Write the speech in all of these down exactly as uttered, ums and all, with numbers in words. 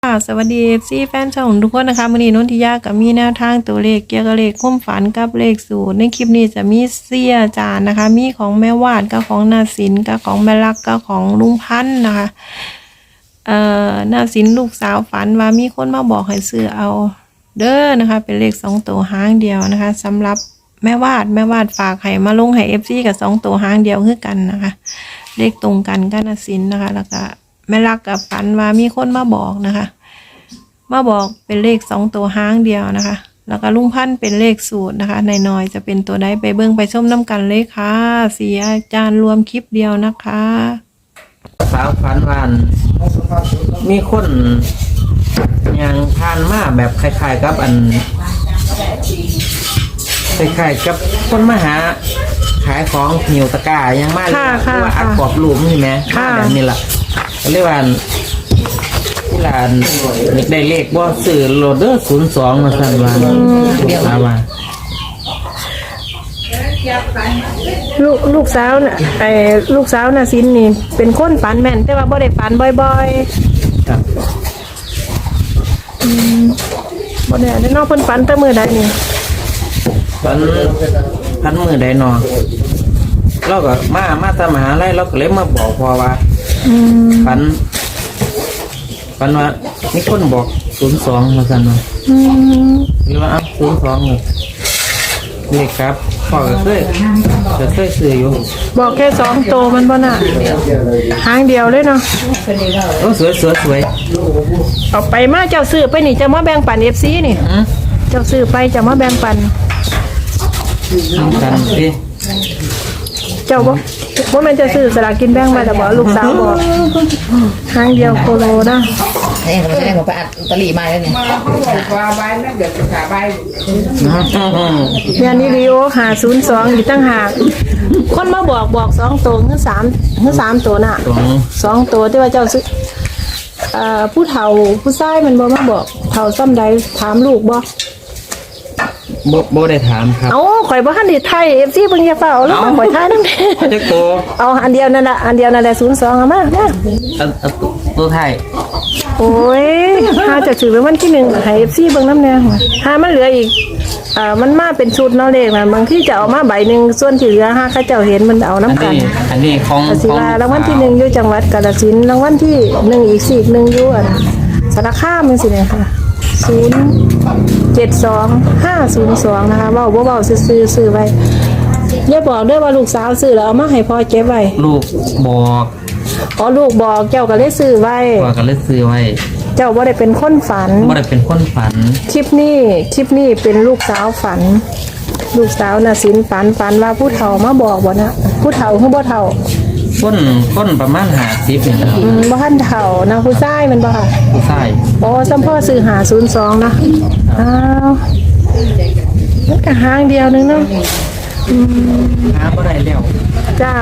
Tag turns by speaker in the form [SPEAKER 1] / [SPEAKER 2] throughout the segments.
[SPEAKER 1] ค่ะสวัสดีซีแฟนช่องทุกคนนะคะวันนี้นนทิยากับมีแนวทางตัวเลขเกี่ยวกับเลขความฝันกับเลขสูตรในคลิปนี้จะมีเสียจานนะคะมีของแม่วาดกับของนาสินกับของแม่ลักกับของลุงพันธ์นะคะเอ่อนาสินลูกสาวฝันว่ามีคนมาบอกให้ซื้อเอาเด้อนะคะเป็นเลขสองตัวหางเดียวนะคะสำหรับแม่วาดแม่วาดฝากให้มาลงให้เอฟซีกับสองตัวหางเดียวคือกันนะคะเลขตรงกันกับนาสินนะคะแล้วก็แม่ลักกับฝันว่ามีคนมาบอกนะคะมาบอกเป็นเลขสองตัวห้างเดียวนะคะแล้วก็ลุงพันธุ์เป็นเลขสูตรนะคะในน้อยจะเป็นตัวใดไปเบิ่งไปชมน้ำกันเลยค่ะเสียอาจารย์รวมคลิปเดียวนะคะ
[SPEAKER 2] สาวฝันวานมีคนยังทานมาแบบคล้ายๆกับอันคล้ายๆกับคนมาหาขายของหิวตะกร้ายังมาเรียกว่าอัดกรอบรูปนี่ไหมแบบนี้แหละเรียกว่าที่ร้านได้เลขบ่ซื้อโหลดเดอร์ศูนย์สองมาสั่งว่าเดี๋ยวมา
[SPEAKER 1] ลูกลูกสาวน่ะไอ้ลูกสาวน่ะสินนี่เป็นคนฝันแม่นแต่ว่าบ่ได้ฝันบ่อยๆครับอืมบ่ได้ได้นอกเพิ่นฝันแต่มื้อใดนี่
[SPEAKER 2] ฝันพันมื้อใดนอเราก็มามาตามมหาลัยเราก็เลยมาบอกพอว่าอืมฝันฝันว่ามีคนบอกศูนย์สองมาสั่นว่าอืมหรือว่าอ้าวศูนย์สองเลขครับพ่อก็เคยก็เคยซื้ออยู่
[SPEAKER 1] บอกแค่สองตัวมันบ่น่ะหางเดียวเลยเนาะ
[SPEAKER 2] โอ้สวยสวยสวย
[SPEAKER 1] เอาไปมาเจ้าซื้อไปนี่จะมาแบ่งปัน เอฟ ซี นี่เจ้าซื้อไปจะมาแบ่งปัน
[SPEAKER 2] กันสิ
[SPEAKER 1] เจ้าบ่บ่แม่นจะซื้อสลากกินแบ่งไว้แต่บ่ลูกสาวบอกหางเดียวโคโลนะ
[SPEAKER 3] เอ้ยผมจะได้ผมไปอัดตะลีมาแล้วเนี่ยมาเขาบอกว่าใบนั่นเดี๋ยวจะขาใบ
[SPEAKER 1] เนี่ยนี่รีโอห้าศูนย์สองอยู่ตั้งหากคนมาบอกบอกสองตัวคือสามคือสามตัวน่ะสองตัวที่ว่าเจ้าซื้อเอ่อผู้เฒ่าผู้ชายมันบ่มาบอกเฒ่าซ้ำใดถามลูกบ่
[SPEAKER 2] บ่บ่ได้ถามครับ
[SPEAKER 1] เอ้าข่อยบ่ทันได้ไทย เอฟ ซี เพิ่นอย่าเฝ้าแล้วมาข่อยทายนำ
[SPEAKER 2] จักตัว
[SPEAKER 1] เอาอันเดียวนั่นน่ะอันเดียวนั่นแหละศูนย์สองเอามามา
[SPEAKER 2] อันตัวไทย
[SPEAKER 1] โอ้ยถ้าจะถือเป็นวันที่หนึ่งให้ เอฟ ซี เบิ่งนำแน่ถ้ามันเหลืออีกเอ่อมันมาเป็นชุดเนาะเลขน่ะบางทีจะเอามาใบนึงส่วนที่เหลือห้าเขาเจ้าเห็นมันเอานำกัน
[SPEAKER 2] อันนี้ของ
[SPEAKER 1] สิว่ารางวัลที่หนึ่งอยู่จังหวัดกาฬสินธุ์รางวัลที่หนึ่งอีกสี่อีกหนึ่งอยู่อันสารคามจังซี่เนี่ยค่ะศูนย์เจ็ดสองห้าศูนย์สองนะคะเว้าบ่เว้าซื่อๆซื้อไว้อย่าบอกเด้อว่าลูกสาวซื้อแล้วเอามาให้พ่อเก็บไว้
[SPEAKER 2] ลูกบอก
[SPEAKER 1] อ๋อลูกบอกเจ้าก็เลยซื้อไว้
[SPEAKER 2] พ่อก็เลยซื้อไว้
[SPEAKER 1] เจ้าบ่ได้เป็นคนฝัน
[SPEAKER 2] บ่ได้เป็นคนฝัน
[SPEAKER 1] คลิปนี้คลิปนี้เป็นลูกสาวฝันลูกสาวน่ะสินฝันฝันว่าผู้เฒ่ามาบอกบ่นะผู้เฒ่าคือบ่เฒ่า
[SPEAKER 2] คนคนประมาณห้าสิบนี่ครับ
[SPEAKER 1] อืมบ่ทันเฒ่านะผู้ชายมันบ่ค่ะ
[SPEAKER 2] ผู้ชาย
[SPEAKER 1] อ๋อซัมพ่อซื้อห้าศูนย์สองนะอ้าวมันก็หางเดียวนึงเนาะอืม
[SPEAKER 2] หาบ่ได้แล้ว
[SPEAKER 1] จ้า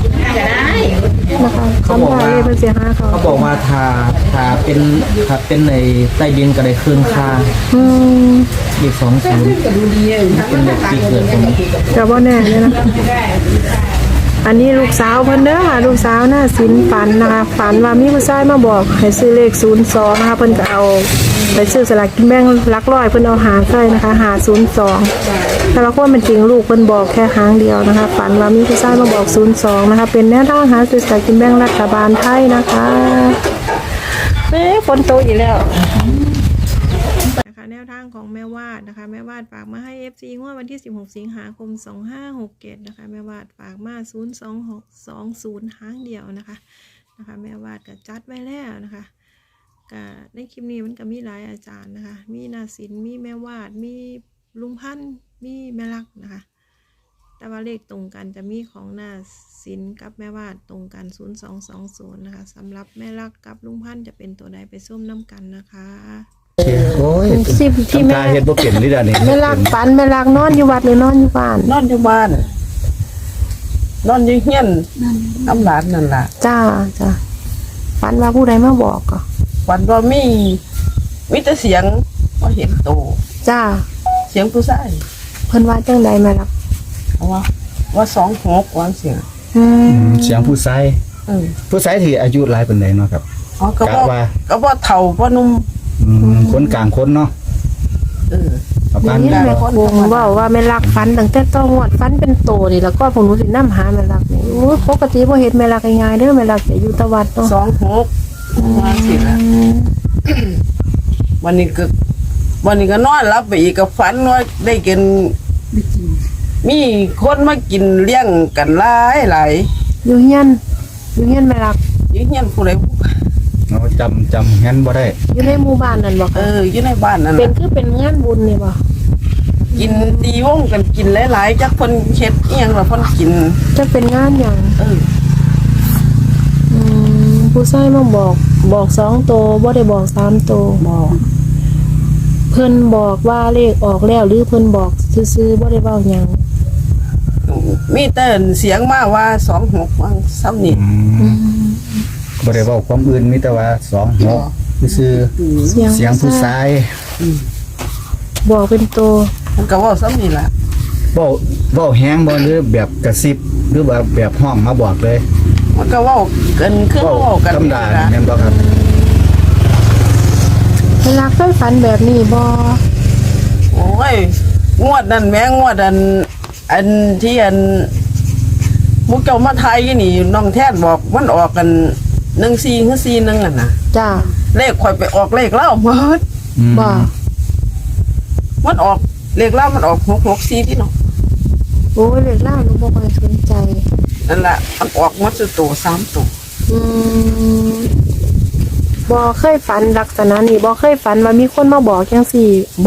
[SPEAKER 1] นะคะเขาบอกว่าเพิ่นสิหาเขา
[SPEAKER 2] เขาบอกว่าถ้าถ้าเป็นถ้าเป็นในใต้ดินก็ได้คืนค่า
[SPEAKER 1] อืม
[SPEAKER 2] อีกสองศูนย์เป็นเลขปีเกิดผม
[SPEAKER 1] ก็บ่แน่เลยนะอันนี้ลูกสาวเพิ่นเด้อค่ะลูกสาวน่ะสินฝันนะคะฝันว่ามีผู้ชายมาบอกให้ซื้อเลขศูนย์สองนะคะเพิ่นก็เอาไปซื้อสลากกินแบ่งหลักร้อยเพิ่นเอาหาใส่นะคะหาศูนย์สองแต่ละคนเป็นจริงลูกเพิ่นบอกแค่หางเดียวนะคะฝันว่ามีผู้ชายมาบอกศูนย์สองนะคะเป็นแนวทางหาซื้อสลากกินแบ่งรัฐบาลไทยนะคะเอ๊ะฝนตกอีกแล้วแนวทางของแม่วาดนะคะแม่วาดฝากมาให้ เอฟ ซี งวดวันที่สิบหกสิงหาคมสองห้าหกเจ็ดนะคะแม่วาดฝากมาศูนย์สองหกสองศูนย์หางเดียวนะคะนะคะแม่วาดก็จัดไว้แล้วนะคะก็ในคลิปนี้มันก็มีหลายอาจารย์นะคะมีนาสินมีแม่วาดมีลุงพันธ์มีแม่ลักนะคะแต่ว่าเลขตรงกันจะมีของนาสินกับแม่วาดตรงกันศูนย์สองสองศูนย์นะคะสำหรับแม่ลักกับลุงพันธ์จะเป็นตัวใดไปส้มน้ำกันนะคะ
[SPEAKER 4] โอ้ย
[SPEAKER 1] สิบที่แม่
[SPEAKER 4] เฮ็ดบ่เปลี่ยนนี่ดานี่
[SPEAKER 1] แม่ลักฝันแม่ลักนอนอยู่วัดหรือนอนอยู่บ้าน
[SPEAKER 3] นอนอยู่บ้านนอนอยู่เฮียนน้ำหลานนั่นล่ะ
[SPEAKER 1] จ้าจ้าฝันว่าผู้ใดมาบอกก็
[SPEAKER 3] ฝันว่ามีมีแต่เสียงว่าเห็นโต
[SPEAKER 1] จ้า
[SPEAKER 3] เสียงผู้ชาย
[SPEAKER 1] เพิ่นว่าจังใดแม่ลัก
[SPEAKER 3] ว่าว่าสองหกว่าเสียง
[SPEAKER 4] อืมเสียงผู้ชายผู้ชายที่อายุหลายปานใดเนาะครับ
[SPEAKER 3] อ๋อก็ว่าก็ว่าเฒ่าบ่หนุ่ม
[SPEAKER 4] อืมคนกลางคนเนาะ
[SPEAKER 3] เออ
[SPEAKER 4] เอา
[SPEAKER 1] อ
[SPEAKER 4] ปา
[SPEAKER 1] ย่าน งนี้
[SPEAKER 4] ยา
[SPEAKER 1] แม่คงเว่าว่าแม่รักฟันตั้งแต่ต้องงวดฟันเป็นโตนี่แล้วก็พวกหนูสินำหาแม่รักนี่โอ้ยปกติบ่เห็นแม่รักง่ายๆเด้อแม่รักจะอยู่ตะวัดเนาะ
[SPEAKER 3] สองหกมาสิละวันนี้ก็วันนี้ก็นอนรับไปอีกก็ฝันว่าได้กินมีคนมากินเลี้ยงกันหลายหลาย
[SPEAKER 1] อยู่เฮียนอยู่เฮียนแม่รัก
[SPEAKER 3] อยู่เฮียนผู้ใด
[SPEAKER 4] เราจำจำงั้นบ่ได้
[SPEAKER 1] อยู่ในหมู่บ้านนั่นบ่
[SPEAKER 3] เอ
[SPEAKER 1] คะ
[SPEAKER 3] ออยู่ในบ้านนั่น
[SPEAKER 1] เป็น
[SPEAKER 3] น่ะ
[SPEAKER 1] คือเป็นงานบุญนี่บ่
[SPEAKER 3] กินตีวงกันกินหลายๆจักเพิ่นเฮ็ดอีหยังล่ะเพิ่นกิน
[SPEAKER 1] จะเป็นงานหยัง
[SPEAKER 3] เออ
[SPEAKER 1] อืมผู้ชายมาบอกบอกสองโตบ่ได้บอกสามโต
[SPEAKER 3] บอก
[SPEAKER 1] เพิ่นบอกว่าเลขออกแล้วหรือเพิ่นบอกซื่อๆบ่ได้เว้าหยัง
[SPEAKER 3] มีแต่เสียงมาว่าสองหกว่าซ้ำนี่
[SPEAKER 4] อืมบ่ได้เว้าความอื่นมีแต่ว่าสองหกซื่อๆเสียงผู้ชาย
[SPEAKER 1] บอกเป็นโต
[SPEAKER 3] มันก็เว่าซ้ำนี่ล่ะ
[SPEAKER 4] เว้าเว้าแฮงบ่หรือแบบกระซิบหรือว่าแบบห้องมาบอกเลย
[SPEAKER 3] มันก็เว่ากันคือ
[SPEAKER 4] เว้า
[SPEAKER 3] เว่ากัน
[SPEAKER 4] ธรรมดา
[SPEAKER 3] นี่ล่ะ
[SPEAKER 4] แม่นบ่ครับ
[SPEAKER 1] เวลาเคยฝันแบบนี้บ่
[SPEAKER 3] โอ้ยงวดนั่นแม่งวดอัน อันที่อันมุกเจ้ามาไทยนี่น้องแท้บอกมันออกกันหนึ่งสี่คือสี่หนึ่งอ่ะนะ
[SPEAKER 1] จ้า
[SPEAKER 3] เลขข่อยไปออกเลขเล่าหมด
[SPEAKER 4] อืม
[SPEAKER 1] บ่
[SPEAKER 3] มันออกเลขเล่ามันออกหกหกสี่ที่เนาะ
[SPEAKER 1] โอ้ยเลขล่าหนูบ่ค่อยสนใจ
[SPEAKER 3] นั่นแหละมันออกหมัดสุดตัวสามตัว
[SPEAKER 1] อืมบ่เคยฝันลักษณะนี้บ่เคยฝันว่ามีคนมาบอกจังซี่บ่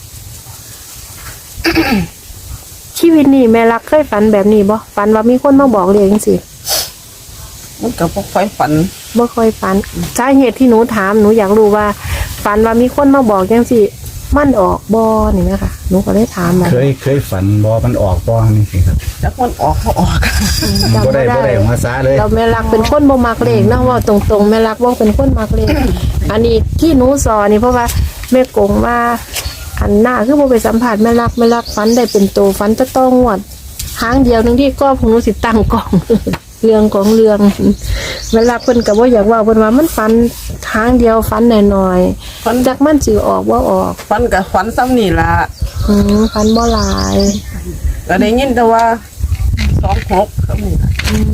[SPEAKER 1] ชีวิตนี้แม่รักเคยฝันแบบนี้บ่ฝันว่ามีคนมาบอกเลขจังซี่
[SPEAKER 3] มันก็บ่ค่อยฝัน
[SPEAKER 1] บ่ค่อยฝันสาเหตุที่หนูถามหนูอยากรู้ว่าฝันว่ามีคนมาบอกจังซี่มันออกบ่นี่แม่ค่ะหนูก็เลยถามมา
[SPEAKER 4] เคยเคยฝันบ่มันออกบ่นี่สิครับ
[SPEAKER 3] จักมันออกเขาออก
[SPEAKER 1] จำ
[SPEAKER 4] บ่ได้บ่ได้มาซาเลย
[SPEAKER 1] เราแม่รักเป็นคนบ่มักเลขนะว่าตรงๆแม่รักบ่เป็นคนมักเลข อันนี้ที่หนูสอนนี่เพราะว่าแม่กงว่า อันหน้าคือบ่ไปสัมผัสแม่รักแม่รักฝันได้เป็นโตฝันจะต้องงวดหางเดียวหนึงที่ก็พวกหนูสิตั้งกล่อง เรื่องของเรื่องแม่รักเพิ่นก็บ่อยากเว่าเพิ่นว่ามันฝันหางเดียวฝันน้อยๆฝันจักมันสิออกบ่ออก
[SPEAKER 3] ฝันกับฝันซ้ำนี่ล่ะ
[SPEAKER 1] อืมฝันบ่หลาย
[SPEAKER 3] ก็ได้ยินแต่ว่าสองหกซ้ำนี่ล่ะ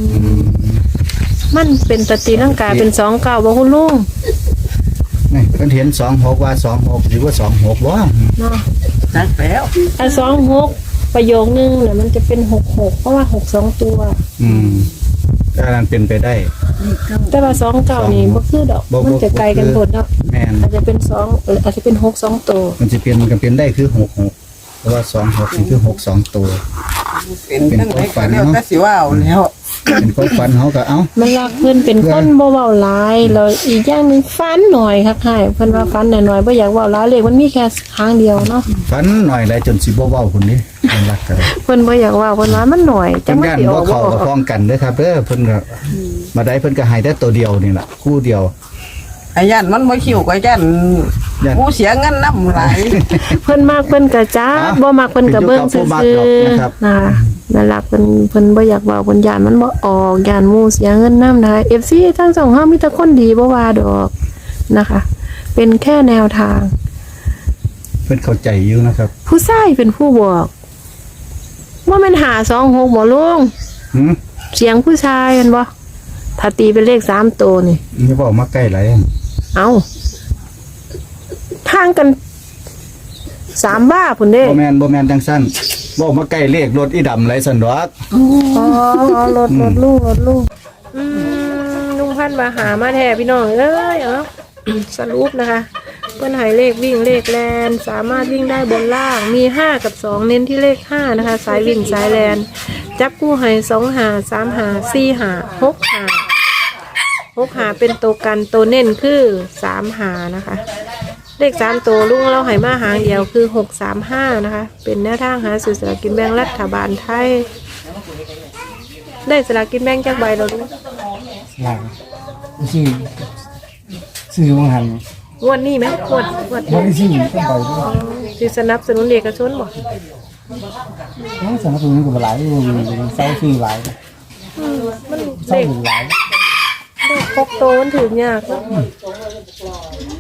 [SPEAKER 1] มันเป็นตะตีร่างกายเป็นสองเก้าบ่คุณลุง
[SPEAKER 4] นี่เพิ่นเห็นสองหกว่าสองหกหรือว่าสองหกบ่
[SPEAKER 1] เนาะ
[SPEAKER 3] จักแล้ว
[SPEAKER 1] ไอ้สองหกประโยคนึงเนี่ยมันจะเป็นหกหกเพราะว่าหกสองตัว
[SPEAKER 4] อืมก็นั้นเป็นไปได้
[SPEAKER 1] แต่ว่าสองเก้านี่บ่คือดอก
[SPEAKER 4] บ่บ่
[SPEAKER 1] มันจะไกลกันหมดเนาะ
[SPEAKER 4] แม่น
[SPEAKER 1] อาจจะเป็นสองเอออาจจะเป็นหกสองตัว
[SPEAKER 4] มันจะเปลี่ยนมันก็เป็นได้คือหกหกเพราะว่าสองหกนี่คือหกสองตัว
[SPEAKER 3] เป็นจังไดก็แล้วแต่สิว่าเอาแล้ว
[SPEAKER 4] เป็นความฝันเขาก็เอ้า
[SPEAKER 1] มันรักเพิ่นเป็นคนบ่เว้าหลายแล้วอีกอย่างหนึงฟันหน่อยครับให้เพิ่นว่าฟันหน่อยๆบ่อยากเว้าหลายเลขมันมีแค่ครั้งเดียวเนาะ
[SPEAKER 4] ฝันหน่อยหลายจนสิบ่เว้าพุ่นนี่มันรักกัน
[SPEAKER 1] เพิ่นบ่อยากเว้าเพิ่นว่ามันหน่อยจั
[SPEAKER 4] เพิ่
[SPEAKER 1] ง
[SPEAKER 4] น
[SPEAKER 1] มัน
[SPEAKER 4] ย่าน
[SPEAKER 1] สิอ
[SPEAKER 4] บ่
[SPEAKER 1] อกบ่
[SPEAKER 4] เข้า
[SPEAKER 1] อ
[SPEAKER 4] กับ
[SPEAKER 1] อก
[SPEAKER 4] พ้องกันเด้อครับเด้อเพิ่นก็มาได้เพิ่นก็ให้แต่ตัวเดียวนี่ล่ะคู่เดียว
[SPEAKER 3] ไอ้ย่านมันบ่คิวก็ย่าน
[SPEAKER 4] ย่าน
[SPEAKER 3] กูเสียเงินนำหลาย
[SPEAKER 1] เพิ่นมากเพิ่นก็จ้า
[SPEAKER 4] อ้าว
[SPEAKER 1] บ่มักเพิ่นก็เบิ่งซื่
[SPEAKER 4] เป็นอยู่กับผู้มักดอก
[SPEAKER 1] อ
[SPEAKER 4] นะครับ
[SPEAKER 1] ๆนะคะนั่นล่ะเพิ่นเพิ่นบ่อยากเว้าเพิ่นย่านมันบ่ออกย่านหมู่เสียเงินนำนะคะ เอฟ ซี ทั้งสองเฮามีแต่คนดีบ่ว่าดอกนะคะ เป็นแค่แนวทาง
[SPEAKER 4] เพิ่นเข้าใจอยู่นะครับ
[SPEAKER 1] ผู้ชายเป็นผู้บอกว่ามันหาสองหกบ่ลุง
[SPEAKER 4] หืม
[SPEAKER 1] เสียงผู้ชายแม่นบ่ถ้าตีเป็นเลขสามตัวนี่
[SPEAKER 4] อย่าเว้ามาใกล้หลาย
[SPEAKER 1] เอาทางกันสามบ้าพุ่นเด้
[SPEAKER 4] บ่แม่นบ่แม่นจังซั่นเว้ามาใกล้เลขรถอีดำหลายซั่นดอก
[SPEAKER 1] อ๋ออ๋อรถรถลูกรถลูกอืมลุงพันธุ์มาหามาแท้พี่น้องเอ้ยเอ้า สรุปนะคะเพิ่นให้เลขวิ่งเลขแลนสามารถวิ่งได้บนล่างมีห้ากับสองเน้นที่เลขห้านะคะ สายวิ่งสายแลนจับกู้ให้สองหาสามหาสี่หาหกหาหกหาเป็นตัวกันตัวเน้นคือสามหานะคะ เลขสามตัวลุงเราให้มาหางเดียวคือหกสามห้านะคะ เป็นแนวทางหาสื่อสลากกินแบ่งรัฐบาลไทย ได้สลากกินแบ่งจากใบเราดู
[SPEAKER 5] หลังชื่อชื่อมังหัน
[SPEAKER 1] งวดนี้ไหมงวดงวด
[SPEAKER 5] วันที่สี่ต้องไปด้วย
[SPEAKER 1] อ๋อที่สนับสนุนเอกชนบอก
[SPEAKER 5] น้องสนับสนุนกับหลายอยู่เศร้าชื่อหลาย
[SPEAKER 1] มัน
[SPEAKER 5] เศร้า
[SPEAKER 1] เด็ก
[SPEAKER 5] หลาย
[SPEAKER 1] เด็กพกโตมันถือยากเนอะส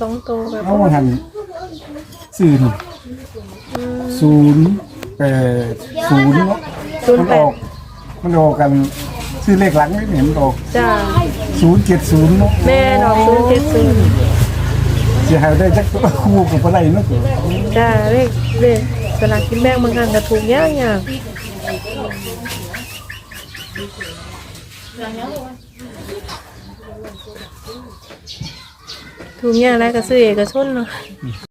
[SPEAKER 1] สองตัวแบบ
[SPEAKER 5] เอามาหันสื่อนี่ศูนย์แปดศูนย์เนาะ
[SPEAKER 1] ศูน
[SPEAKER 5] มั
[SPEAKER 1] ย์
[SPEAKER 5] น
[SPEAKER 1] แป
[SPEAKER 5] อ
[SPEAKER 1] ด
[SPEAKER 5] อกมันออกกันซื้อเลขหลังนี่เห็นมันออก
[SPEAKER 1] จ้า
[SPEAKER 5] ศูนย์เจ็ดศูนย์เนาะ
[SPEAKER 1] แม่ดอกศูนย์เจ็ดศูนย์
[SPEAKER 5] เสียหายได้จักตัวคู่กับอะไรเนาะ
[SPEAKER 1] จ้าเลขเลขสลากกินแบ่งบางครั้งก็ถูกยากยากถูกยากแล้วก็ซื้อเอกชนเนาะ